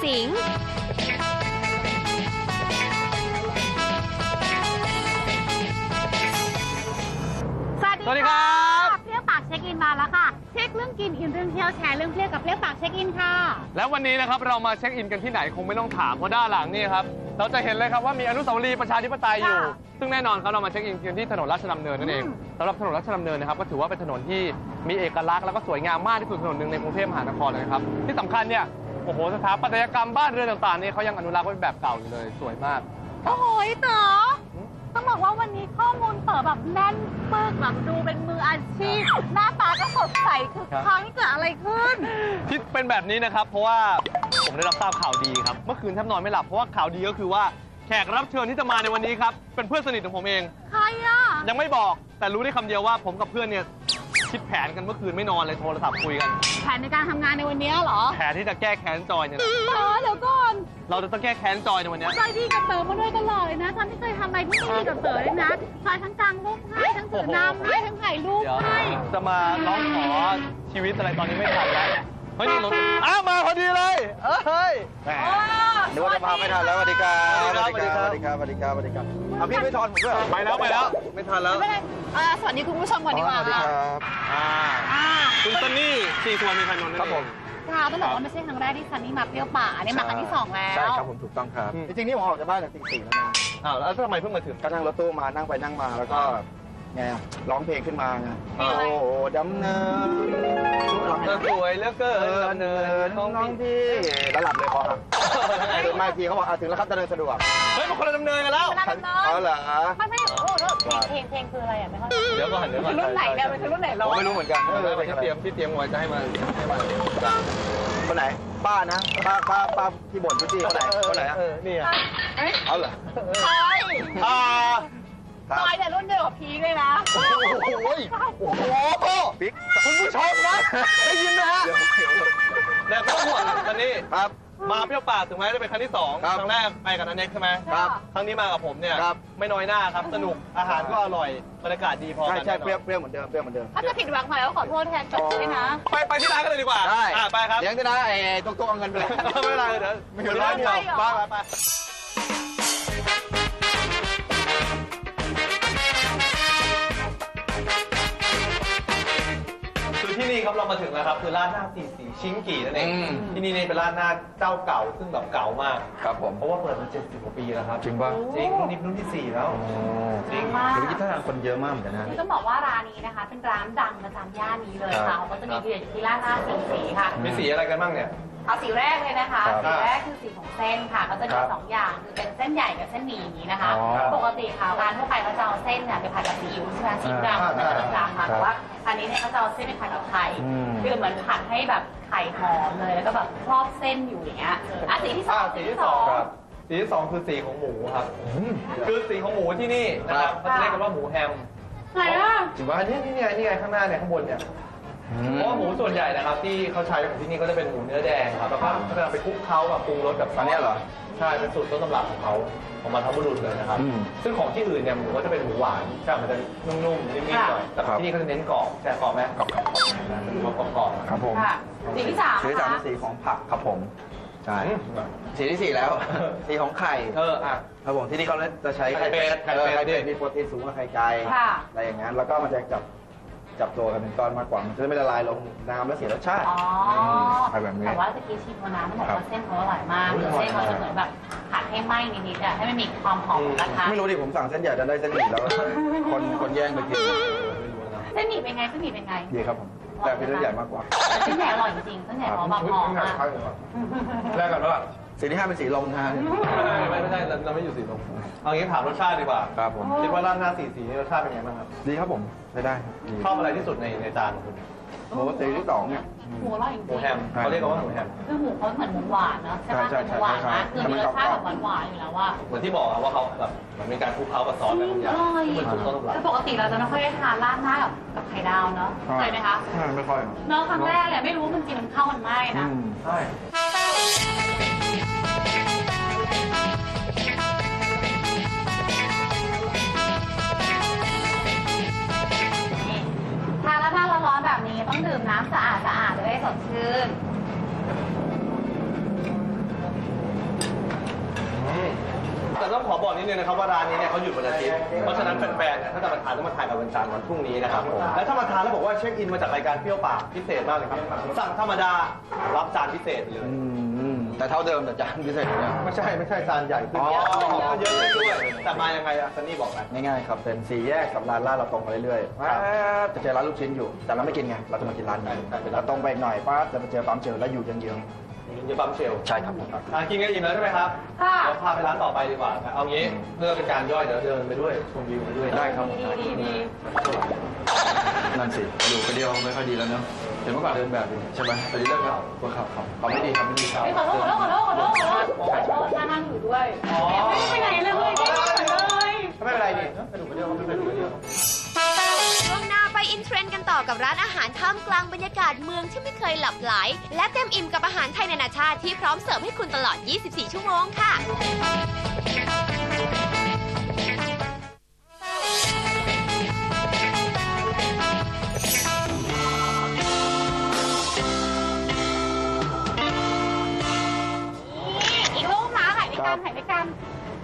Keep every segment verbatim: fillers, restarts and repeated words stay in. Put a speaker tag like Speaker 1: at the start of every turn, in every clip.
Speaker 1: สิงห์
Speaker 2: สวัสดีครับ
Speaker 3: เปรี้ยวปากเช็คอินมาแล้วค่ะเช็คเรื่องกินอินเรื่องเที่ยวแชร์เรื่องเปรี้ยวกับเปรี้ยวปากเช็คอินค่ะ
Speaker 2: แล้ววันนี้นะครับเรามาเช็คอินกันที่ไหนคงไม่ต้องถามเพราะด้านหลังนี่ครับเราจะเห็นเลยครับว่ามีอนุสาวรีย์ประชาธิปไตยอยู่ซึ่งแน่นอนครับเรามาเช็คอินกันที่ถนนราชดำเนินนั่นเองสำหรับถนนราชดำเนินนะครับก็ถือว่าเป็นถนนที่มีเอกลักษณ์แล้วก็สวยงามมากที่สุดถนนหนึ่งในกรุงเทพมหานครเลยครับที่สำคัญเนี่ยโอ้โหสถาปัตยกรรมบ้านเรือนต่างๆนี่เขายังอนุรักษ์ไว้เป็นแบบเก่าอยู่เลยสวยมาก
Speaker 3: โอ้โหเต๋อต้องบอกว่าวันนี้ข้อมูลเต๋อแบบแน่นปึกแบบดูเป็นมืออาชีพหน้าตาก็สดใสคือครั้งเกิดอะไรขึ้น
Speaker 2: ที่เป็นแบบนี้นะครับเพราะว่าผมได้รับทราบข่าวดีครับเมื่อคืนแทบนอนไม่หลับเพราะว่าข่าวดีก็คือว่าแขกรับเชิญที่จะมาในวันนี้ครับเป็นเพื่อนสนิทของผมเอง
Speaker 3: ใครอ่ะ
Speaker 2: ยังไม่บอกแต่รู้ได้คำเดียวว่าผมกับเพื่อนเนี่ยคิดแผนกันเมื่อคืนไม่นอนเลยโทรศัพท์คุยกัน
Speaker 3: แผนในการทำงานในวันนี้เหรอ
Speaker 2: แผนที่จะแก้แค้นจอยเนี่ย
Speaker 3: เออเดี๋ยวก่อน
Speaker 2: เราจะต้องแก้แค้นจอยในวันนี้
Speaker 3: จอยดีกับเต๋อมาด้วยตลอดเลยนะฉันไม่เคยทำอะไรที่ไม่ดีกับเต๋อเลยนะจอยทั้งกลางรูปให้ทั้งถือน้ำให้ทั้งถ่ายรูปให้
Speaker 2: จะมาร้องขอชีวิตอะไรตอนนี้ไม่ทันแล้วเฮ้ยนี่รถอ้าวมาพอดีเลยเฮ้ย
Speaker 4: นึกว่าจะมาไม่ทันแล้วสวัสดีครับสวัสดีครับสวัสดีครับสวัสดีครับสวัสดีครับเอาพี่ไม่ทอนผมด้วย
Speaker 2: ไปแล้วไปแล้วไม่ทันแล้ว
Speaker 3: สวัสดีคุณผู้ชมก่อนดีกว่า
Speaker 4: สวัสดีครับ
Speaker 2: คุณซันนี่สี่ส่วนมีพันนนท์
Speaker 4: ครับผม
Speaker 3: ค่ะต้องบอกว่าไม่ใช่ครั้งแรกที่ซันนี่มาเปรี้ยวป่าเนี่ยมาครั้งที่สองแล้ว
Speaker 4: ใช่ครับผมถูกต้องครับจริงๆนี่ผมออกจากบ้านจากตีสี่แล้วนะ
Speaker 2: อ้าวแล้วทำไมเพิ่งมาถึง
Speaker 4: ก็นั่งรถตู้มานั่งไปนั่งมาแล้วก็ไงร้องเพลงขึ้นมาไงโอ้ดำเนิน
Speaker 2: สวยเหลือเกินดำเนิน
Speaker 4: น้องพี่แล้วหลับเลยพอครับตื่นมาทีเขาบอกถึงแล้วครับจะเดินสะดวก
Speaker 2: เฮ้ยมันคนละดำเนินกันแล้ว
Speaker 4: เอาเหรอ
Speaker 3: ไม่ไม่โอ้โหเพลงเพลงคืออะไรอ่ะไม่เข้าใจ
Speaker 2: เดี๋ยวก่อนเดี๋ยวก่อน
Speaker 3: รุ่นไหนเนี่ยเป็นรุ่นไหนเรา
Speaker 4: ไม่รู้เหมือนกัน
Speaker 2: ที่เตรียมที่เตรียมไว้จะให้มาให้มา
Speaker 4: คนไหนป้านะป้าป้าป้าที่บ่นพี่คนไหนคนไหนอ่ะ
Speaker 2: นี่อ่ะ
Speaker 4: เอาเหรอ
Speaker 3: ใช่
Speaker 2: อ่า
Speaker 3: จอยเนี่ยรุ่นเดียวกับพีเลยนะ
Speaker 4: โอ้โหโอ้โหบิ๊ก
Speaker 2: คุณผู้ชมนะได้ยินไหมฮะแต่ไม่ต้องห่วงตอนนี้
Speaker 4: ครับ
Speaker 2: มาเปรี้ยวปากถึงแม้จะเป็นครั้งที่สองครั้งแรกไปกับนันเน็กใช่ไหม
Speaker 4: ครับ
Speaker 2: ครั้งนี้มากับผมเนี่ยไม่น้อยหน้าครับสนุกอาหารก็อร่อยบรรยากาศดีพอกัน
Speaker 4: ใช่เปรี้ยวเปรี้ยวเหมือนเดิมเปรี้ยวเหมือนเดิม
Speaker 3: ถ้าจะผิดหวังหน่อยก็ขอโทษแทนจอยนะ
Speaker 2: ไปไปที่ร้านกันเลยดีกว่า
Speaker 4: ได้
Speaker 2: ไปครับ
Speaker 4: เลี้ยงด้วยนะไอ้ตุ๊กตุ๊กเอาเงินไปเลย
Speaker 2: ไม่เป็นไรเดี๋ยว
Speaker 4: ไม่เป็นไรเดียว
Speaker 2: ไปไปที่นี่ครับเรามาถึงแล้วครับคือร้านหน้าสีสีชิงกี่นั่นเองที่นี่นี่เป็นร้านหน้าเจ้าเก่าซึ่งแบบเก่ามาก
Speaker 4: ครับผม
Speaker 2: เพราะว่าเปิดมาเจ็ดสิบกว่าปีแล้วครับ
Speaker 4: จริงป่ะ
Speaker 2: จริงรุ่นนี้รุ่นที่สี่แล้ว
Speaker 4: จริงมากเดี๋ยวคิดว่าคนเยอะมากเหมือนกันนะ
Speaker 3: ต้องบอกว่าร้านนี้นะคะเป็นร้านดังประจำย่านนี้เลยค่ะเขาก็จะมีเดียอยู่ที่ร้านหน้าสีสีค่ะ
Speaker 2: มีสีอะไรกันบ้างเนี่ย
Speaker 3: เอาสีแรกเลยนะคะสีแรกคือสีของเส้นค่ะก็จะมีสองอย่างคือเป็นเส้นใหญ่กับเส้นหมี่อย่างนี้นะคะปกติค่ะร้านทั่วไปเขาจะเอาเส้นเนี่ยไปผัดกับซีอิ๊วใช่ไหมซีอิ๊วดำเป็นประจำค่ะแต่ว่าอันนี้เนี่ยเขาจะเอาเส้นไปผัดกับไข่คือเหมือนผัดให้แบบไข่หอมเลยแล้วก็แบบครอบเส้นอยู่อย่างเงี้ยอ่ะสีที่สอง
Speaker 2: สีที่สองสีที่สองคือสีของหมูครับคือสีของหมูที่นี่นะครับเขาจะเรียกกันว่าหมูแฮม
Speaker 3: ไหนอ่ะ
Speaker 2: ถือว่านี่นี่ไงนี่ไงข้างหน้าเนี่ยข้างบนเนี่ยเพราะว่าหมูส่วนใหญ่นะครับที่เขาใช้ของที่นี่ก็จะเป็นหมูเนื้อแดงครับแล้วก็เขาจะไปคลุกเคล้ากับปรุงรสกับ
Speaker 4: อันนี้เหรอ
Speaker 2: ใช่เป็นสูตรต้นตำรับของเขาของบรรพบุรุษเลยนะครับซึ่งของที่อื่นเนี่ยหมูก็จะเป็นหมูหวานใช่มันจะนุ่มๆนิ่มๆหน่อยแต่ที่นี่เขาจะเน้นกรอบแต่กรอบไหมกรอบๆกรอบกรอบ
Speaker 4: ครับผม
Speaker 3: สีที่สาม
Speaker 4: สีที่สามเป็นสีของผักครับผมใช่สีที่สี่แล้วสีของไข่
Speaker 2: เอออ่ะ
Speaker 4: ครับผมที่นี่เขาจะใช้
Speaker 2: ไข่เป็ดไข่เป็ด
Speaker 4: มีโปรตีนสูงกว่าไข่ไก่อะไรอย่างนั้นแล้วก็มันจะจับจับตัวกันเป็นก้อนมากกว่ามันจะไม่ละลายลงน้ำแล้วเสียรสชาติ
Speaker 3: อ๋อ
Speaker 4: แบบนี้
Speaker 3: แต่ว่าตะกี้ชิมน้ำมันบอกว่าเส้นเขาอร่อยมากเส้นเขาจะเหมือนแบบผัดให้ไหม้นิดๆอ่ะให้มันมีความหอมของกระทะ
Speaker 4: ไม่รู้ดิผมสั่งเส้นใหญ่จะได้เส้นหมี่แล้วคนคนแย่งไปกิน
Speaker 3: เส้นหมี่เป็นไงเส้นหมี่เป็นไง
Speaker 4: ดีครับผมแต่เป็นเส้นใหญ่มากกว่า
Speaker 3: เส้นใหญ่อร่อยจริงเส้นใหญ่หอมแบบหอมมาก
Speaker 2: แรกกันว่า
Speaker 4: สีที่ห้าเป็นสีลมนะ
Speaker 2: ไม่ไม่ใช่เราไม่อยู่สีลมเอางี้ถามรสชาติดีกว่า
Speaker 4: ครับผม
Speaker 2: คิดว่าร้านหน้าสีสีนี่รสชาติเป็นไงบ้างครับ
Speaker 4: ดีครับผมได้ได้
Speaker 2: ชอบอะไรที่สุดในในจานของคุณ
Speaker 4: หมูสีที่สองเนี่ย
Speaker 3: หมูอร่อยจริง
Speaker 2: หมูแฮมเขาเรียกว่าหมูแฮม
Speaker 3: คือหมูเขาเหมือนหมูหวานเนาะใช่ไหมหมูหวานนะคือมีรสชาติแบบหวานๆอยู่แล้วว่า
Speaker 2: เหมือนที่บอกว่าเขาแบบมันมีการคลุกเคล้ากับซอสอะไรบางอย่างเหมือนสูตรต้นตำรับ
Speaker 3: คือปกติเราจะไม่ค่อยได้ทานราดหน้ากับกับไข่ดาวเนาะเคยไหมคะ
Speaker 4: ไม่ค่อย
Speaker 3: เนาะครั้งแรกเลยไม่รู้มันจริงมันเข้ากันไม่นะ
Speaker 2: ใช่
Speaker 3: ทานแล้วถ้าร้อนๆแบบนี้ต้องดื่มน้ำสะอาดสะอาดจะได้สดชื่น
Speaker 2: ต้องขอบอกนิดนึงนะครับว่าร้านนี้เนี่ยเขาหยุดวันอาทิตย์เพราะฉะนั้นแฟนๆเนี่ยถ้าจะมาทานต้องมาทานกับวันจันทร์วันพรุ่งนี้นะครับผมและถ้ามาทานแล้วบอกว่าเช็คอินมาจากรายการเปรี้ยวปากพิเศษมากเลยครับสั่งธรรมดารับจานพิเศษเลย
Speaker 4: อืมแต่เท่าเดิมแต่จานพิเศษเนี่ย
Speaker 2: ไม่ใช่ไม่ใช่จานใหญ่ขึ้น
Speaker 4: อ๋อ
Speaker 2: เยอะขึ้นด้วยแต่มายังไงอะซันนี่บอกไหม
Speaker 4: ง่ายๆครับเป็นสี่แยกกับร้านลาดเราตรงไปเรื่อยๆจะเจอร้านลูกชิ้นอยู่แต่เราไม่กินไงเราจะมากินร้านนี้เราตรงไปอีกหน่อยป้าจะไปเจอปั๊มเจลแล้วอยู่เยื้อง
Speaker 2: เยอะปั๊มเชล
Speaker 4: ๆใช่ครับ
Speaker 2: อ่ะกินกันอิ่มแล้วใช่ไหมครับ
Speaker 3: ค่ะ
Speaker 2: เดี๋ยวพาไปร้านต่อไปดีกว่าเอางี้เพื่อเป็นการย่อยเดี๋ยวเดินไปด้วยชมวิวไปด้วย
Speaker 4: ได้ครับ
Speaker 3: ดีดีดี
Speaker 4: นั่นสิกระดูกกระเดียวไม่ค่อยดีแล้วเนาะเห็นเมื่อก่อนเดินแบบใช่ไหมตอนนี้เลิกแล้วตัวขับขับเขาไม่ดีครับไม่ดีครับ
Speaker 3: ไม่ขอโทษขอโทษขอโทษขอโทษขอโทษขอโทษนั่งอยู่ด้วยไม่ได้ไปไหนเลยเลยไม่ได้ไปเลย
Speaker 2: ไม่เป็นไรนี่กระดูกกระเดียวไม่เป็นไรกระเดียว
Speaker 1: ช่วงหน้าไปอินเทรนด์กันต่อกับร้านอาหารท่ามกลางบรรยากาศเมืองที่ไม่เคยหลับไหล และเต็มอิ่มกับอาหารไทยนานาชาติที่พร้อมเสิร์ฟให้คุณตลอด ยี่สิบสี่ ชั่วโมงค่ะ
Speaker 3: อีกรูปนะถ่ายด้วยกันถ่ายด้วยกัน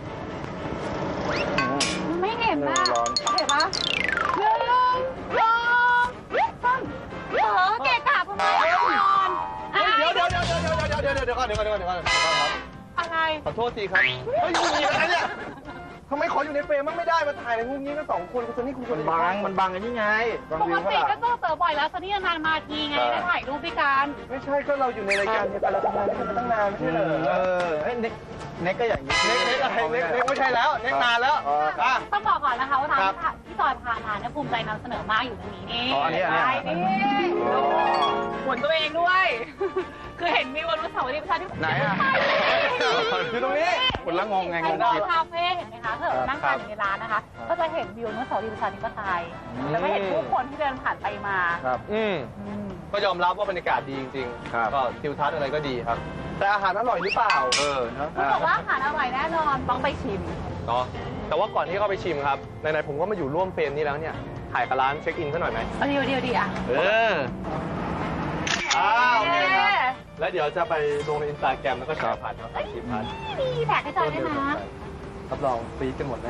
Speaker 3: ไม่เห็นนะเห็นปะหนึ่งสองสามเออเกะกะทำไมนอน
Speaker 2: เดี๋ยวเดี๋ยวเดี๋ยวเดี๋ยวเดี๋ยวเดี๋ยวเดี๋ยวเดี๋ยวก่อนเดี๋ยวก่อนเดี๋ยวก่อนเดี๋ยวก่อนครับ
Speaker 3: อะไร
Speaker 2: ขอโทษทีครับเฮ้ยคุณมีอะไรเนี่ยทำไมขออยู่ในเฟรมมั่งไม่ได้มาถ่ายในมุมนี้กันสองคนคุณซันนี่คุณคน
Speaker 4: มันบังมันบังกันยังไงบัง
Speaker 3: ป
Speaker 4: วิ
Speaker 3: ก
Speaker 4: ว
Speaker 3: ติ
Speaker 4: เขา
Speaker 3: ก็
Speaker 4: ล่ะ
Speaker 3: เจอเต๋อบ่อยแล้วตอนนี้นานมาทีไงได้ถ่ายรูปด้วยกัน
Speaker 2: ไม่ใช่ก็เราอยู่ในรายการเดียวกันเราทำงานด้วยกันมาตั้งนานไม่ใช่เหรอ
Speaker 4: เออเฮ้ยเน็กเน็กก็อย่างนี้
Speaker 2: เน็กเน็กอะไรเน็กเน็กไม่ใช่แล้วเน็กนานแล้วอ่ะ
Speaker 3: ต้องบอกก่อนนะคะว่าทางที่จอยพาทานเนี่ยภูมิใจนำเสนอมากอยู่ตรงนี้นี่
Speaker 4: อ๋ออันนี้อันนี้
Speaker 3: ใช่นี่หมุนตัวเองด้วย คือเห็นวิวอนุสาวรีย์ประชาธิปไตย
Speaker 4: ไหนอ่ะ
Speaker 2: อยู่ตรงนี้
Speaker 4: คนละงงไงงง
Speaker 3: ดอ
Speaker 4: ผิด
Speaker 3: คาเฟ่เห็นไหมคะถ้าเรานั่งทานอยู่ในร้านนะคะ ก็จะเห็นวิวอนุสาวรีย์ประชาธิปไตยแล้วก็เห็นผู้คนที่เดินผ่านไปมา
Speaker 4: ครับ
Speaker 2: อืม
Speaker 3: อืม
Speaker 2: ก็ยอมรับว่าบรรยากาศดีจริง
Speaker 4: ครับ
Speaker 2: ๆก็ทิวทัศน์อะไรก็ดีครับ แต่อาหารอร่อยหรือเปล่า
Speaker 4: เออเนาะ
Speaker 3: คุณบอกว่าอาหารอร่อยแน่นอนต้องไปชิม
Speaker 2: เนาะแต่ว่าก่อนที่เข้าไปชิมครับไหนๆผมก็มาอยู่ร่วมเฟรมนี้แล้วเนี่ยถ่ายกับร้านเช็คอินซะหน่อยไหม
Speaker 3: เอาเดียวเดียวดีอ่ะ
Speaker 2: เอออ้าวโอเคครับแล้วเดี๋ยวจะไปลงในอินสตาแกรมแล้วก็แชร์ผ่านทางสายชิปพัน
Speaker 3: ดีแท็กให้จอยด้วยนะ
Speaker 2: รับรองฟีดกันหมดแน่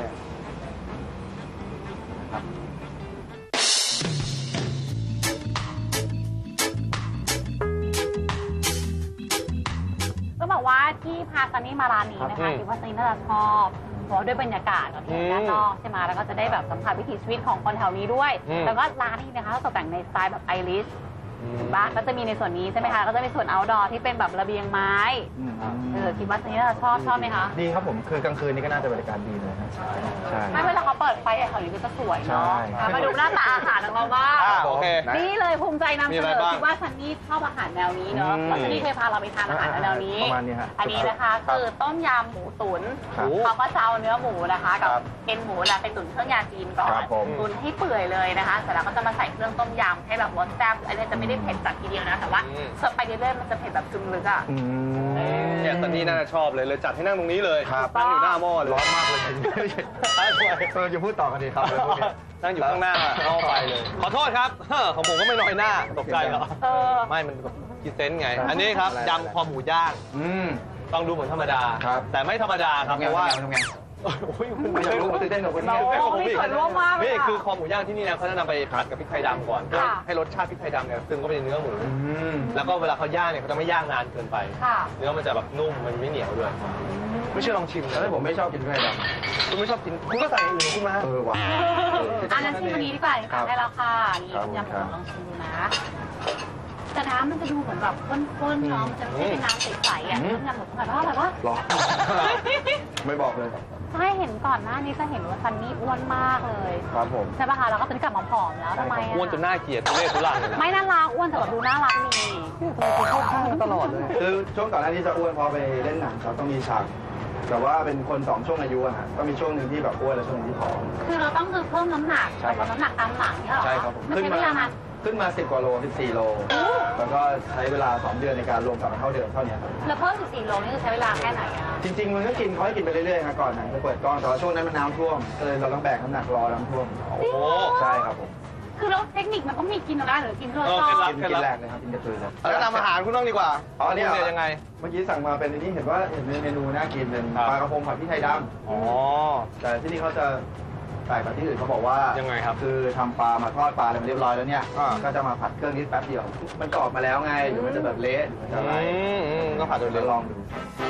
Speaker 3: ก็บอกว่าที่พาซันนี่มาร้านนี้นะคะคิดว่าซันนี่น่าจะชอบเพราะด้วยบรรยากาศกับที่ด้านนอกใช่ไหมแล้วก็จะได้แบบสัมผัสวิถีชีวิตของคนแถวนี้ด้วยแล้วก็ร้านนี้นะคะตกแต่งในสไตล์แบบไอริชบ้านก็จะมีในส่วนนี้ใช่ไหมคะก็จะมีส่วน outdoor ที่เป็นแบบระเบียงไม้เออคิดว่าซันนี่น่าจะชอบชอบไหมคะ
Speaker 4: ดีครับผมคือกลางคืนนี้ก็น่าจะบรรยากาศดีเลยนะใช่
Speaker 3: ไม่เวลาเขาเปิดไฟแถวนี้ก็จะสวยเนาะ
Speaker 4: ใช่
Speaker 3: มาดูหน้าตาอาหารของเราบ้าง
Speaker 2: อ่าโอเค
Speaker 3: นี่เลยภูมิใจนำ
Speaker 2: มี
Speaker 3: เส
Speaker 2: อะไร
Speaker 3: นอ
Speaker 2: บ้าง
Speaker 3: คิดว่าซันนี่ชอบอาหารแนวนี้เนาะ
Speaker 4: อืม
Speaker 3: แล้วซันนี่เคยพาเราไปทานอาหารแนวนี้
Speaker 4: ประมาณนี้ฮะ
Speaker 3: อันนี้นะคะ
Speaker 4: ครับ
Speaker 3: คือต้มยำหมูตุ๋น
Speaker 4: ครับ
Speaker 3: เขาก็จะเอาเนื้อหมูนะคะกับ
Speaker 4: ครับ
Speaker 3: เอ็นหมูแหละไปตุ๋นเครื่องยาจีนก่อน
Speaker 4: ครับผม
Speaker 3: ตุ๋นให้เปื่อยเลยนะคะเสร็จแล้วก็จะมาใส่เครื่องต้มยำให้แบบรสแซ่บอันนี้จะไม่ได้เผ็ดจัดทีเดียวนะแต่ว่า
Speaker 2: อืม
Speaker 3: เสิร์ฟไปเรื่อยๆมันจะเผ็ดแบบซึมลึกอ่ะ
Speaker 4: อืม
Speaker 2: เนี่ยซันนี่น่าจะชอบเลยเลยจัดให้นั่งตรงนี้เลย
Speaker 4: ครับ
Speaker 2: นั่งอยู่หน้าหม้อเลย
Speaker 4: ร้อนมากเลย
Speaker 2: ใช่ด้วย
Speaker 4: เออจะพูดต่อกันดีครับเลยพวกนี้
Speaker 2: นั่งอยู่ข้างหน้าเอาไปเลย ขอโทษครับเฮ้อของผมก็ไม่น้อยหน้าตกใจเหรอ
Speaker 3: เออ
Speaker 2: ไม่มันกินเซนส์ไง
Speaker 4: ครับ
Speaker 2: อันนี้ครับ
Speaker 4: อะไร
Speaker 2: ยำคอหมูย่าง
Speaker 4: อืม
Speaker 2: ต้องดูเหมือนธรรมดา
Speaker 4: ครับ
Speaker 2: แต่ไม่ธรรมดาครับเพราะว่า
Speaker 4: ทำไง
Speaker 2: โอ้ยคุณ
Speaker 4: ไม่อยากรู้ตื่นเต้นกับคนนี้
Speaker 2: ตื่เต้นกับผม
Speaker 3: มี
Speaker 2: อีก
Speaker 3: ส่วนร่วมมากเลย
Speaker 2: นี่
Speaker 3: อะ
Speaker 2: คือคอหมูย่างที่นี่นะเขาจะนำไปผัดกับพริกไทยดำก่อนเพื่อ
Speaker 3: ค่ะ
Speaker 2: ให้รสชาติพริกไทยดำเนี่ยซึมเข้าไปในเนื้อหมู
Speaker 4: อืม
Speaker 2: แล้วก็เวลาเขาย่างเนี่ยเขาจะไม่ย่างนานเกินไป
Speaker 3: ค่ะ
Speaker 2: เนื้อมันจะแบบนุ่มมันไม่เหนียวด้วย ไม่เชื่อลองชิม
Speaker 4: แล้วผมไม่ชอบกินไข่ด
Speaker 2: คุณไม่ชอบกินคุณก็ใส่อย่างอื่นของคุณมา
Speaker 4: ำเออว่ะ
Speaker 3: อันนั้นชิมอันนี้ดีกว่า
Speaker 4: ครั
Speaker 3: ค่ะ
Speaker 4: บ
Speaker 3: ได้แล้วค่ะนี่
Speaker 4: ครับ
Speaker 3: ยำหมูลองชิมดูนะ แต่น้ำมันจะดูเหมือนแบบข้นๆเนาะมันจะไม่ใช่เป็นน้ำใสๆอ่ะ
Speaker 4: อืม
Speaker 3: ยำหมูแบบว่าแบบว่า
Speaker 4: หรอ ไม่บอกเลย
Speaker 3: ใช่เห็นก่อนหน้านี้จะเห็นว่าซันนี่อ้วนมากเลย
Speaker 4: ครับผม
Speaker 3: ใช่ป่ะคะแล้วก็ตอนนี้กลับมาผอมแล้วทำไมอ่ะ
Speaker 2: อ้วนจนน่าเกลียดทุเรศทุรังเลยนะ
Speaker 3: ไม่น่ารักอ้วนแต่แบบดูน่ารักดี
Speaker 4: เข้าข้างตลอดเลย คือช่วงก่อนหน้านี้จะอ้วนพอไปเล่นหนังครับต้องมีฉากแต่ว่าเป็นคนสองช่วงอายุอะฮะก็มีช่วงหนึ่งที่แบบอ้วนและช่วงหนึงที่ผอม
Speaker 3: คือเราต้องคือเพิ่มน้ำหนัก
Speaker 4: ใช่ครับ
Speaker 3: ลดน้ำหนักตามหลังเนี่ยเหรอ
Speaker 4: ใช่ครับผม
Speaker 3: มันใช้เวลานาน
Speaker 4: ขึ้นมาสิบกว่าโลสิบสี่โล แล้วก็ใช้เวลาสองเดือนในการรวมกลับมาเท่าเดิมเท่านี้ครับ
Speaker 3: แล้วเพิ่มสิบสี่โลนี่คือใช้เวลาแค่ไหนอ่ะ
Speaker 4: จริงๆมันก็กินเขาให้กินไปเรื่อยๆครับก่อนหนังจะเปิดกล้องแต่ว่าช่วงนั้นมันน้ำท่วมก็เลยเราต้องแบกน้ำหนักรอน้ำท่วม
Speaker 2: โอ้โห
Speaker 4: ใช่ครับผม
Speaker 3: คือแล้วเทคนิคมันต้องมีกินอะไรหรือกินเพื่อ
Speaker 2: เออ
Speaker 3: ชอบ
Speaker 2: กิ
Speaker 4: กินกินแรกเลยครับกินกระจุยเลย
Speaker 2: แล้วนำอาหารคุณต้องดีกว่า
Speaker 4: อ๋ออันนี้
Speaker 2: เนี่ยยังไง
Speaker 4: เมื่อกี้สั่งมาเป็นอันนี้เห็นว่าเห็นในเมนูน่ากินเป็น
Speaker 2: ครับ
Speaker 4: ปลากระพงผัดพริกไทยด
Speaker 2: อ๋อ
Speaker 4: ำแต่ที่นี่เขาจะแปลกกว่าที่อื่นเขาบอกว่า
Speaker 2: ยังไงครับ
Speaker 4: คือทำปลามาทอดปลาอะไรมาเรียบร้อยแล้วเนี่ย
Speaker 2: อ่า
Speaker 4: ก็จะมาผัดเครื่องนิดแป๊บเดียว มันกรอบมาแล้วไงเดี๋ยวมันจะแบบเละเดี๋ยวมันจะอะไร
Speaker 2: อืมอืมก็ผัดโดย
Speaker 4: เดี๋
Speaker 2: เร็
Speaker 4: ยว
Speaker 2: ว
Speaker 4: ลองดู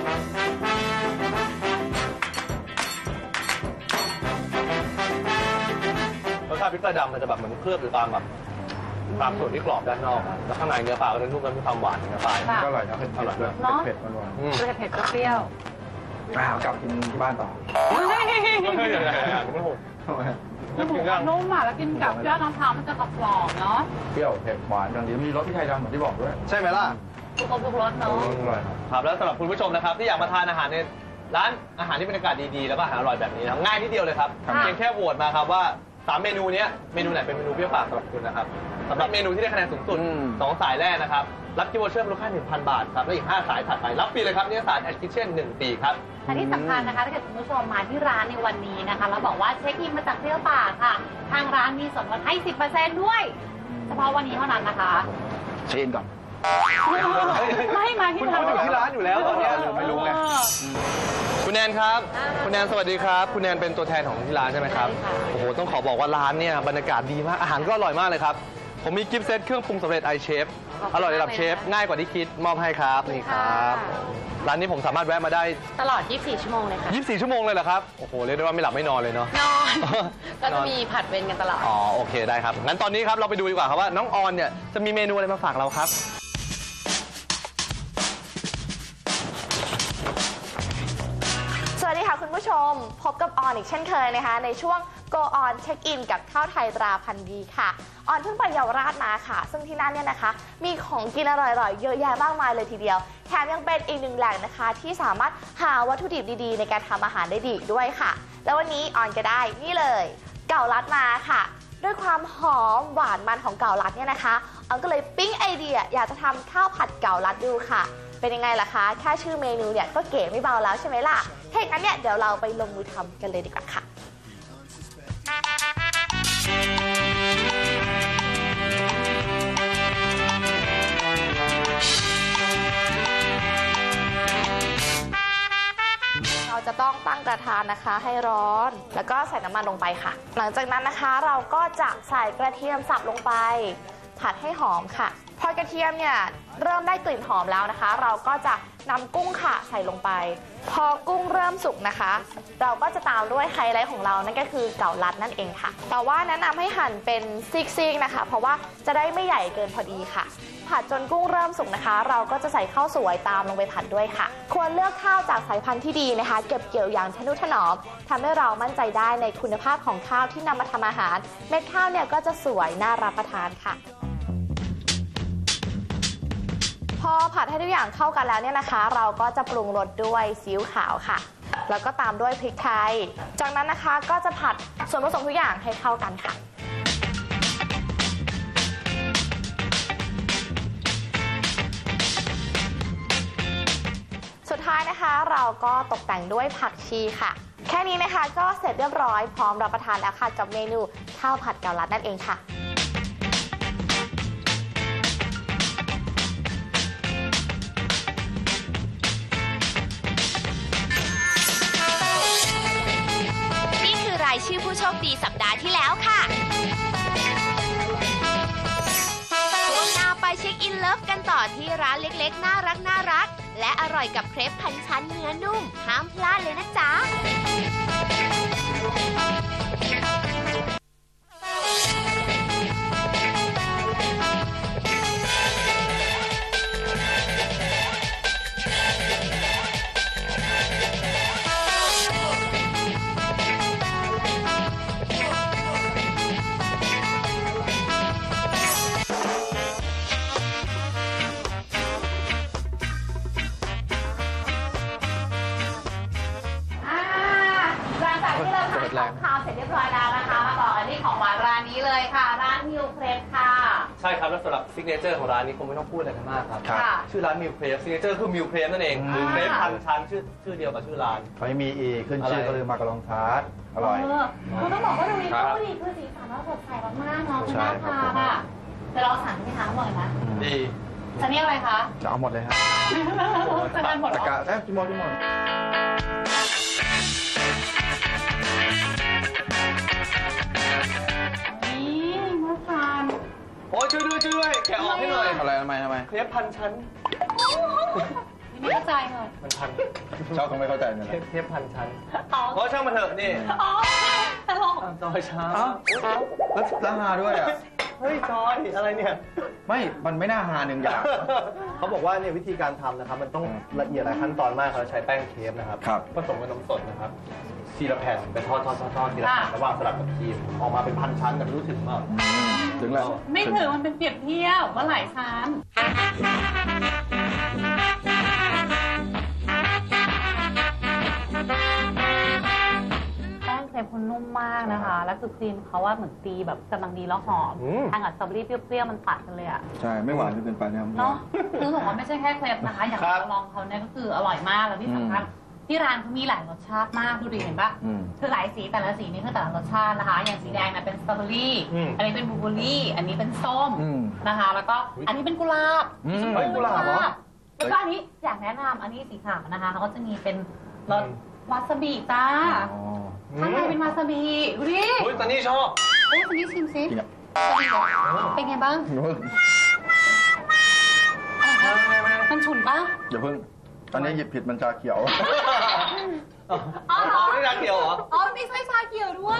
Speaker 2: รสชาติพริกไทยดำมันจะแบบเหมือนเคลือบอยู่ตามแบบตามส่วนที่กรอบด้านนอกอะแล้วข้างในเนื้อปลาก็จะนุ่มและมีความหวานของเนื้อปลา
Speaker 3: ค่ะ
Speaker 4: ก็อร่อยนะเผ็ด
Speaker 2: อร่อย
Speaker 4: ๆด้วย
Speaker 3: เนอะ
Speaker 4: เผ็ดๆหวาน
Speaker 2: อืม
Speaker 3: เผ็ดเผ็ดๆเปรี้ยว
Speaker 4: ๆอ่ากลับกินที่บ้านต่อ
Speaker 2: เฮ้ยยังไงอะคุณผู้ชม
Speaker 4: ทำไม
Speaker 3: ๆคือหมูมันนุ่มอ่ะแล้วกินกับยอดมะพร้าวมันจะกรอบๆเนาะ
Speaker 4: เปรี้ยวเผ็ดหวานอย่างเดียวมีรสพริกไทยดำเหมือนที่บอกด้วย
Speaker 2: ใช่ไหมล่ะ
Speaker 3: ทุกคนทุกรสเนาะ
Speaker 4: อร่อยครับ
Speaker 2: ครับแล้วสำหรับคุณผู้ชมนะครับที่อยากมาทานอาหารในร้านอาหารที่บรรยากาศดีๆแล้วก็อาหารอร่อยแบบนี้นะครับง่ายนิดเดียวเลยครับ
Speaker 3: ค่ะ
Speaker 2: เพียงแค่โหวตมาครับว่าสามเมนูเนี้ยเมนูไหนเป็นเมนูเปรี้ยวปากสำหรับคุณนะครับสำหรับเมนูที่ได้คะแนนสูงสุด
Speaker 4: อืม
Speaker 2: สองสายแรกนะครับรับกิฟต์วอเชอร์มูลค่า หนึ่งพัน บาทครับและอีกห้าสายถัดไปรับฟรีเลยครับนิตยสารแอดคิทเช่นหนึ่งปีครับ
Speaker 3: และที่สำคัญนะคะถ้าเกิดคุณผู้ชมมาที่ร้านในวันนี้นะคะแล้วบอกว่าเช็คอินมาจากเที่ยวป่าค่ะ ทางร้านมีส่วนลดให้ สิบเปอร์เซ็นต์ ด้วย เฉพาะวันนี้เท่านั้นนะคะ
Speaker 4: เช็คอินก่อน
Speaker 3: ไม่มาที่
Speaker 2: คุณคุณอยู่ที่ร้านอยู่แล้วตอนเนี้ยหรือไม่รู้ไง คุณแนนครับ คุณแนนสวัสดีครับ คุณแนนเป็นตัวแทนของที่ร้านใช่ไหมครับ
Speaker 3: ใช่ค่ะ
Speaker 2: โอ้โห ต้องขอบอกว่าร้านเนี่ยบรรยากาศดีมาก อาหารก็อร่อยมากเลยครับ ผมมีกิฟต์เซตเครื่องปรุงสำเร็จไอเชฟ อร่อยระดับเชฟ ง่ายกว่าที่คิด มอบให้ครับ นี่ครับ ร้านนี้ผมสามารถแวะมาได้
Speaker 3: ตลอด ยี่สิบสี่ ชั่วโมงเลยค่ะ
Speaker 2: ยี่สิบสี่ ชั่วโมงเลยเหรอครับ โอ้โห เรียกได้ว่าไม่หลับไม่นอนเลยเนาะ
Speaker 3: นอน ก็จะมีผัดเวรกันตลอด
Speaker 2: อ๋อ โอเค ได้ครับ งั้นตอนนี้ครับ เราไปดูดีกว่าครับว่าน้องออนเนี่ยจะมีเมนูอะไรมาฝากเราครับ
Speaker 5: สวัสดีค่ะคุณผู้ชม พบกับออนอีกเช่นเคยนะคะในช่วง Go On Check In กับข้าวไทยตราพันธุ์ดีค่ะออนเพิ่งไปเยาวราชมาค่ะ ซึ่งที่นั่นเนี่ยนะคะมีของกินอร่อยๆเยอะแยะมากมายเลยทีเดียวแถมยังเป็นอีกหนึ่งแหล่งนะคะที่สามารถหาวัตถุดิบดีๆในการทำอาหารได้ดีอีกด้วยค่ะ แล้ววันนี้ออนก็ได้นี่เลยเก่าลัดมาค่ะด้วยความหอมหวานมันของเก่าลัดเนี่ยนะคะออนก็เลยปิ๊งไอเดียอยากจะทำข้าวผัดเก่าลัดดูค่ะเป็นยังไงล่ะคะแค่ชื่อเมนูเนี่ยก็เก๋ไม่เบาแล้วใช่ไหมล่ะถ้าอย่างนั้นเนี่ยเดี๋ยวเราไปลงมือทำกันเลยดีกว่าค่ะเราจะต้องตั้งกระทะนะคะให้ร้อนแล้วก็ใส่น้ำมันลงไปค่ะ หลังจากนั้นนะคะเราก็จะใส่กระเทียมสับลงไปผัดให้หอมค่ะพอกระเทียมเนี่ยเริ่มได้กลิ่นหอมแล้วนะคะ เราก็จะนำกุ้งค่ะใส่ลงไป พอกุ้งเริ่มสุกนะคะ เราก็จะตามด้วยไฮไลท์ของเรานั่นก็คือเก่าลัดนั่นเองค่ะแต่ว่าแนะนำให้หั่นเป็นซิกๆนะคะเพราะว่าจะได้ไม่ใหญ่เกินพอดีค่ะผัดจนกุ้งเริ่มสุกนะคะ เราก็จะใส่ข้าวสวยตามลงไปผัดด้วยค่ะควรเลือกข้าวจากสายพันธุ์ที่ดีนะคะเก็บเกี่ยวอย่างทนุถนอมทำให้เรามั่นใจได้ในคุณภาพของข้าวที่นำมาทำอาหารเม็ดข้าวเนี่ยก็จะสวยน่ารับประทานค่ะพอผัดให้ทุกอย่างเข้ากันแล้วเนี่ยนะคะ เราก็จะปรุงรสด้วยซีอิ๊วขาวค่ะแล้วก็ตามด้วยพริกไทยจากนั้นนะคะก็จะผัดส่วนผสมทุกอย่างให้เข้ากันค่ะสุดท้ายนะคะเราก็ตกแต่งด้วยผักชีค่ะแค่นี้นะคะก็เสร็จเรียบร้อยพร้อมรับประทานแล้วค่ะกับเมนูข้าวผัดเกาลัดนั่นเองค่ะ
Speaker 1: รายชื่อผู้โชคดีสัปดาห์ที่แล้วค่ะช่วงหน้าไปเช็คอินเลิฟกันต่อที่ร้านเล็กๆน่ารักน่ารักและอร่อยกับเครปพันชั้นเนื้อนุ่มห้ามพลาดเลยนะจ๊ะ
Speaker 3: ของคาวเสร็จเรียบร้อยแล้วนะคะมาต่อกันที่ของหวานร้านนี้เลยค่ะร้านฮิวเครปค่ะ
Speaker 2: ใช่ครับแล้วสำหรับซิกเนเจอร์ของร้านนี้คงไม่ต้องพูดอะไรกันมากครับ
Speaker 4: ครับ
Speaker 3: ค่ะ
Speaker 2: ชื่อร้านมิลเครฟซิกเนเจอร์คือมิลเครฟนั่นเองคือเครปพันชั้นชื่อชื่อเดียวกับชื่อร้าน
Speaker 4: เขาไม่มีอีกขึ้นชื่อก็คือมาการองทาร์ตอร่อย
Speaker 3: เออคือต้องบอกว่าดูดี
Speaker 2: ครับ
Speaker 3: ดูดีคือสีสันเราสดใสมากๆเนาะคือ
Speaker 4: ใช่
Speaker 3: น่า
Speaker 4: ครับ
Speaker 3: ทานอ่ะแต่เราสั่งที่ทานบ่อยนะ
Speaker 2: ดี
Speaker 3: จะนี่อะไรคะ
Speaker 4: จะเอาหมดเลยครับ
Speaker 3: จะทานหมดเหร
Speaker 4: ตะ
Speaker 3: อก
Speaker 4: ะเอ้ยจิมอนจิมอน
Speaker 3: นี่น่าทาน
Speaker 2: โอ้ยช่วยด้วยช่วยด้วยแกะออกให้หน่อย
Speaker 4: อะไรทำไมทำไม
Speaker 2: เครปพันชั้น
Speaker 3: ไม่เข้าใจเลย
Speaker 2: มันพัน
Speaker 4: ชอบตรงไม่เข้าใจเนี่ย
Speaker 2: เครปเครปพันชั้น
Speaker 3: อ๋อ
Speaker 2: เพราะช่างมันเถอะนี่
Speaker 3: อ๋อตลก
Speaker 2: อ้าวจอยช้า
Speaker 4: อ้าวแล้วแล้วฮาด้วยอ่ะ
Speaker 2: เฮ้ยจอยอะไรเนี่ย
Speaker 4: ไม่ มันไม่น่าฮาหนึ่งอย่าง
Speaker 2: เขาบอกว่าเนี่ยวิธีการทำนะครับ มันต้องละเอียดหลายขั้นตอนมากเขาใช้แป้งเครปนะครับ
Speaker 4: ครับ
Speaker 2: ผสมกับนมสดนะครับทีละแผ่นไปทอดทอดทอดทอดทีละแผ่นแล้ววางสลับกับครีมออกมาเป็นพันชั้นแต่ไม่รู้ถึงเปล่า
Speaker 4: ถึงแล้ว
Speaker 3: ไม่ถือมันเป็นเปรียบเทียบว่าหลายชั้นแป้งเครปคุณนุ่มมากนะคะ แล้วคือครีมเขาว่าเหมือนตีแบบกำลังดีแล้วหอม
Speaker 2: อืม
Speaker 3: ทานกับสตรอเบอรี่เปรี้ยวๆมันตัดกันเลยอะ
Speaker 4: ใช่ ไม่หวานจนเกินไปนะครับ
Speaker 3: เนาะคือบอกว่าไม่ใช่แค่เครปนะคะ อย่าง
Speaker 2: ครับ
Speaker 3: เราลองเขาเนี่ยก็คืออร่อยมากแล้วที่สำคัญที่ร้านเขามีหลายรสชาติมากดูดิเห็นปะ
Speaker 4: อืม
Speaker 3: คือหลายสีแต่ละสีนี่คือแต่ละรสชาตินะคะ อย่างสีแดงนะเป็นสตรอเบอรี่
Speaker 2: อืม
Speaker 3: อันนี้เป็นบลูเบอร์รี่ อันนี้เป็นส้ม
Speaker 4: อืม
Speaker 3: นะคะ แล้วก็อันนี้เป็นกุหลาบ
Speaker 4: อืม
Speaker 3: ชม
Speaker 4: เฮ้ยกุหลาบเหรอ
Speaker 3: แล้วก็อันนี้อยากแนะนำอันนี้สีขาวนะคะเขาก็จะมีเป็นรสวาซาบิจ้า
Speaker 4: อ๋อ
Speaker 3: ข้างในเป็นวาซาบิดูดิ
Speaker 2: เฮ้ยตอนนี้ชอบ
Speaker 3: เฮ้ยคนนี้ชิมซิ
Speaker 4: จริงอ่ะ
Speaker 3: เป็นไงบ้าง
Speaker 4: อย่าเพิ่ง
Speaker 3: มันฉุนปะ
Speaker 4: อย่าเพิ่ง ตอนนี้หยิบผิดมันชาเขียว
Speaker 3: อ๋อ
Speaker 2: อ๋อนี่รักเดียวเหรอ
Speaker 3: อ๋อมีไส้ชาเขียวด้วย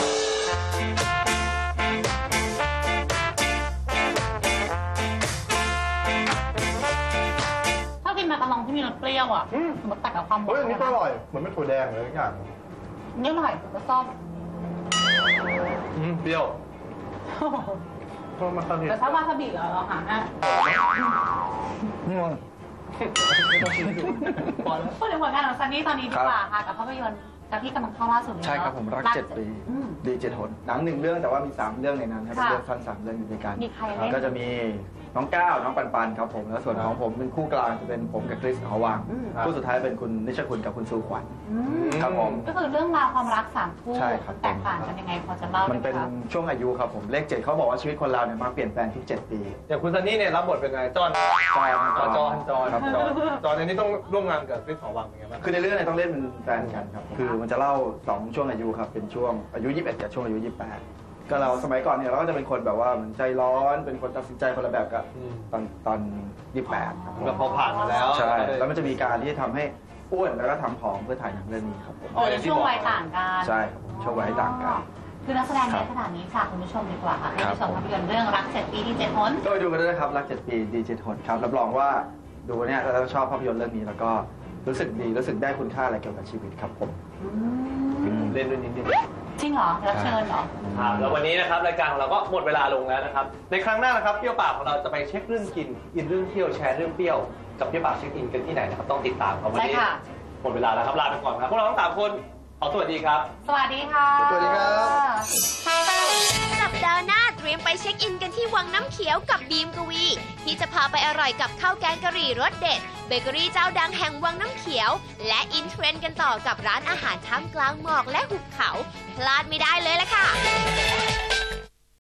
Speaker 3: ถ้ากินมาการองที่มีรสเปรี้ยวอ่ะ
Speaker 4: อืม
Speaker 3: มันตัดกับความหวาน
Speaker 4: เฮ้ยอันนี้ก็อร่อย เหมือนไม่ถั่วแดงเลยทุกอย่าง
Speaker 3: นี่อร่อยแล้วส้ม
Speaker 2: อืมเปรี้ยวเพราะมันตอนนี้
Speaker 3: แต่ถ้าวาซาบิเหรอเราหาให้
Speaker 4: อืม
Speaker 2: ไม่ต้องชิมดูพอแล้ว
Speaker 3: พูดถึงผลงานของซันนี่ตอนนี้ดีกว่าค่ะกับภาพยนตร์กับที่กำลังเข้าล่าสุดเลยเนอะ
Speaker 4: ใช่ครับผมรักเจ็ดปี
Speaker 3: อืม
Speaker 4: ดีเจ็ดหนหนังหนึ่งเรื่องแต่ว่ามีสามเรื่องในนั้นครับเป็น
Speaker 3: ค่ะ
Speaker 4: เรื่องสั้นสามเรื่องอยู่ด้วยกัน
Speaker 3: มีใครเล่น
Speaker 4: ก็จะมีน้องก้าวน้องปันปันครับผมแล้วส่วนของผมเป็นคู่กลางจะเป็นผมกับคริสหอวัง
Speaker 3: อืม
Speaker 4: คู่สุดท้ายเป็นคุณนิชคุณกับคุณซูขวัญ
Speaker 3: อืม
Speaker 4: ครับผม
Speaker 3: ก็คือเรื่องราวความรักสามคู่
Speaker 4: ใช่ครับ
Speaker 3: แตกต่างกันยังไงพอจะเล่าได้
Speaker 4: มัน
Speaker 3: ไหม
Speaker 4: เป็น
Speaker 3: คะ
Speaker 4: ช่วงอายุครับผมเลขเจ็ดเขาบอกว่าชีวิตคนเราเนี่ยมาเปลี่ยนแปลงทุกเจ็ดปี
Speaker 2: อย่างคุณซันนี่เนี่ยรับบทเป็นไงจอน
Speaker 4: ใช่ครับ
Speaker 2: จอนจอนจอน
Speaker 4: ครับ
Speaker 2: จอนจอนในนี้ต้องร่วมงานกับคริสหอวังเป็นไงบ้าง
Speaker 4: คือในเรื่องเนี่ยต้องเล่นเป็นแฟนกันครับคือมันจะเล่าสองช่วงอายุครับเป็นช่วงอายุยี่สิบเอ็ดกับช่วงอายุยี่สิบแปดก็เราสมัยก่อนเนี่ยเราก็จะเป็นคนแบบว่าเหมือนใจร้อนเป็นคนตัดสินใจคนละแบบกับ
Speaker 2: อืม
Speaker 4: ตอนตอนยี่สิบแปดครับ
Speaker 2: ก็พอผ่านมาแล้ว
Speaker 4: ใช่ แล้วมันจะมีการที่จะทำให้อ้วนแล้วก็ทำผอมเพื่อถ่ายหนังเรื่องนี้ครับผม
Speaker 2: อ๋ออย่างที่บอก
Speaker 3: ช่วงวัยต่างกัน
Speaker 4: ใช่ครับผมช่วงวัยต่างกัน
Speaker 3: คือนักแสดงเยอะขนาดนี้ค่ะคุณผู้ชมดีกว่าค่ะให้ไปชมภาพยนตร์เรื่องรักเจ็ดปีที่เจ็ดหน
Speaker 4: ก็ไปดูกันด้วยนะครับ รักเจ็ดปีดีเจทนครับ รับรองว่าดูเนี่ยแล้วชอบภาพยนตร์เรื่องนี้แล้วก็รู้สึกดี รู้สึกได้คุณค่าอะไรเกี่ยวกับชีวิตครับผม
Speaker 2: เล่นด้วยนิดนึง
Speaker 3: จริงเหรอรับเชิญเหรอ
Speaker 2: ครับแล้ววันนี้นะครับรายการของเราก็หมดเวลาลงแล้วนะครับในครั้งหน้านะครับเปรี้ยวปากของเราจะไปเช็คเรื่องกินอินเรื่องเที่ยวแชร์เรื่องเปรี้ยวกับเปรี้ยวปากเช็คอินกันที่ไหนนะครับต้องติดตามครับวันนี้
Speaker 3: ใช่ค่ะ
Speaker 2: หมดเวลาแล้วครับลาไปก่อนครับพวกเราทั้งสามคนขอสวัสดีครับ
Speaker 3: สวัสดีค่ะ
Speaker 4: สวัสดีครับ
Speaker 1: สัปดาห์หน้าเตรียมไปเช็คอินกันที่วังน้ำเขียวกับบีมกวี ที่จะพาไปอร่อยกับข้าวแกงกะหรี่รสเด็ดเบเกอรี่เจ้าดังแห่งวังน้ำเขียว และอินเทรนด์กันต่อกับร้านอาหารท่ามกลางหมอกและหุบเขาพลาดไม่ได้เลยล่ะค่ะ